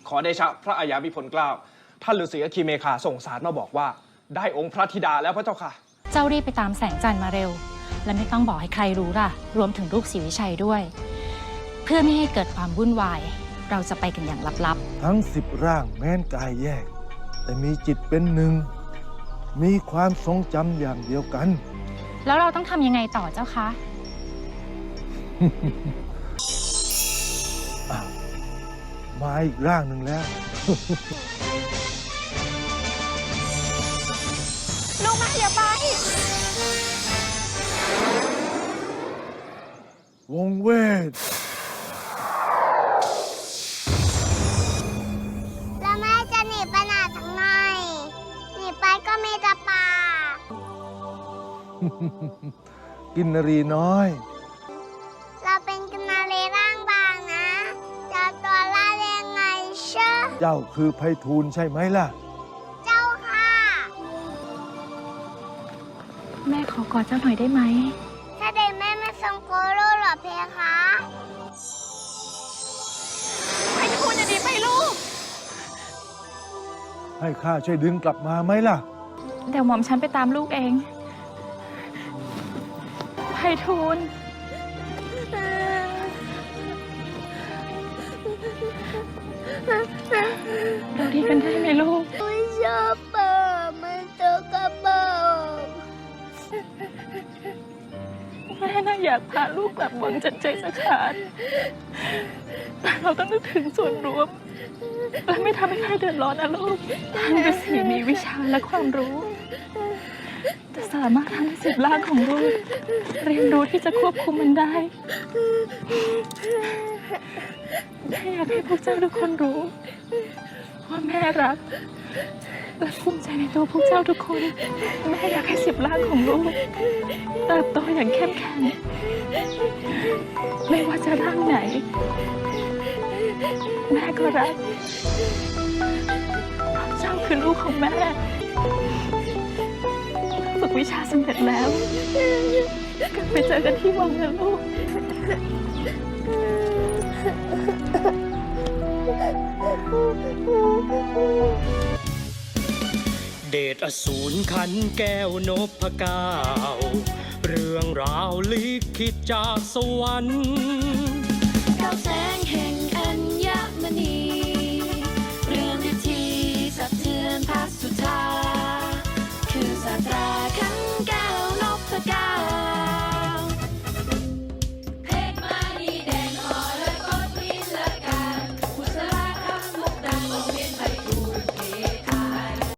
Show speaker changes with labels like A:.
A: ขอเดชะพระอัยามิพลเกล้าท่านฤาษีอคีเมฆาส่งสารมาบอกว่าได้องค์พระธิดาแล้วพระเจ้าค่ะ
B: เจ้ารีบไปตามแสงจันทร์มาเร็วและไม่ต้องบอกให้ใครรู้ล่ะรวมถึงลูกศรีวิชัยด้วยเพื่อไม่ให้เกิดความวุ่นวายเราจะไปกันอย่างลับ
C: ๆทั้ง10 ร่างแม้นกายแยกแต่มีจิตเป็นหนึ่งมีความทรงจำอย่างเดียวกัน
B: แล้วเราต้องทำยังไงต่อเจ้าคะ
C: มาอีกร่างหนึ่งแล้ว
B: ลูกมาอย่าไป
C: วงเวท
D: แล้วแม่จะหนีไปไหนทั้งไงหนีไปก็มีแต่ป่า
C: กินนรีน้อย
D: เราเป็นกินนารีร่างบางนะจะตัวล่าเรียงไงเชื่อ
C: เจ้าคือไพฑูรย์ใช่ไหมล่ะ
D: เจ้าค่ะ
B: แม่ขอกอดเจ้าหน่อยได้ไหม
D: ถ้าเด็กแม่ไม่ทรงโกโร่หรอเพคะ
B: ไพฑูรย์จะดีไปลูก
C: ให้ข้าช่วยดึงกลับมาไหมล่ะ
B: เดี๋ยวหม่อมฉันไปตามลูกเองไพฑูรย์เราดีกันได้ไหมลูก
D: ไม่ชอบป่ามันตกกระบอก
B: แม่น่าอยากพาลูกกลับวังจันใจสักขาดแต่เราต้องนึกถึงส่วนรวมและไม่ทำให้ใครเดือดร้อนนะลูกท่านฤาษีมีวิชาและความรู้จะสามารถทำให้10 ร่างของลูกเรียนรู้ที่จะควบคุมมันได้แม่อยากให้พวกเจ้าทุกคนรู้ว่าแม่รักและภูมิใจในตัวพวกเจ้าทุกคนแม่อยากให้10 ร่างของลูกเติบโตอย่างเข้มแข็งไม่ว่าจะร่างไหนแม่ก็รักเจ้าคือลูกของแม่ฝึกวิชาสำเร็จแล้วกลับไปเจอกันที่วังนะลูก
E: เดชอสูรขันแก้วนพเก้าเรื่องราวลิขิตจากสวรรค์
F: เก้าแสงแห่งอัญมณีเรื่องฤทธิสะเทือนพระสุธาคือศาสตราขันแก้วนพเก้า